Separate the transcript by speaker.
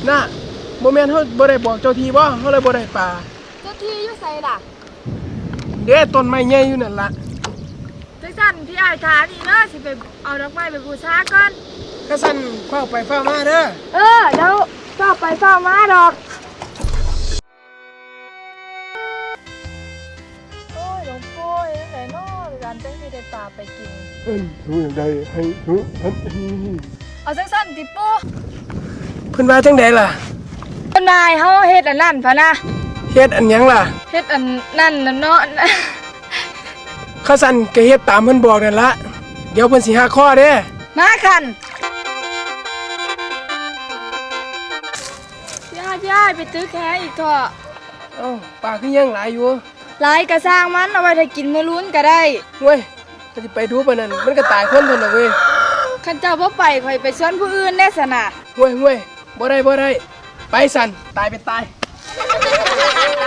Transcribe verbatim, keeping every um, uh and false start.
Speaker 1: น่ะโมเมนเขาบ่ได้บอกเจ้าทีบ่เขาเลยบ่ได้ปลา
Speaker 2: เจ้าที่อยู่ไสล่ะ
Speaker 1: เด้ต้นไม้ใหญ่อยู่นั่นล่ะ
Speaker 2: จังซั่นพี่อ้ายถามอีกเด้อสิไปเอาดอกไม้ไปบูชาก่อน
Speaker 1: ข้าสั่นเฝ้าไปเฝ้ามาเด้อ
Speaker 2: เออเดี๋ยวเฝ้าไปเฝ้ามาดอกโอ้ยหลวงปู่ยังไงเนาะร้านจังสิได้ปลาไปกิน
Speaker 1: เอิ้นรู้อย่างใดให้รู้อันนี้
Speaker 2: เอาจังซั่นติปู่
Speaker 1: เพิ่นว่าจังไดล่ะ
Speaker 2: เพิ่นนายเฮาเฮ็ดอันนั้นพะนะ
Speaker 1: เฮ็ดอันหยังล่ะ
Speaker 2: เฮ็ดอันนั่นน่ะเนาะ
Speaker 1: ข้าสั่นก็เฮ็ดตามเพิ่นบอกนั่นล่ะเดี๋ยวเพิ่นสิหักคอเด้
Speaker 2: มาคันพี่อ้ายพี่อ้ายไปตื้อแค่อีกเถอะ
Speaker 1: เอ้าปลาคือยังหลายอยู่
Speaker 2: หลายกระสร้างมันเอาไว้ถ้ากินมื้อลุ้นก็ได้
Speaker 1: เว้ยถ้าสิไปดูปานนั้นมันก็ตายคนเพิ่นน่ะเว้ย
Speaker 2: คันเจ้าบ่ไปข่อยไปชวนผู้อื่นแน่ซะน่ะ
Speaker 1: เว้ยเว้ยบ่ได้บ่ได้ไปสั่นตายเป็นตาย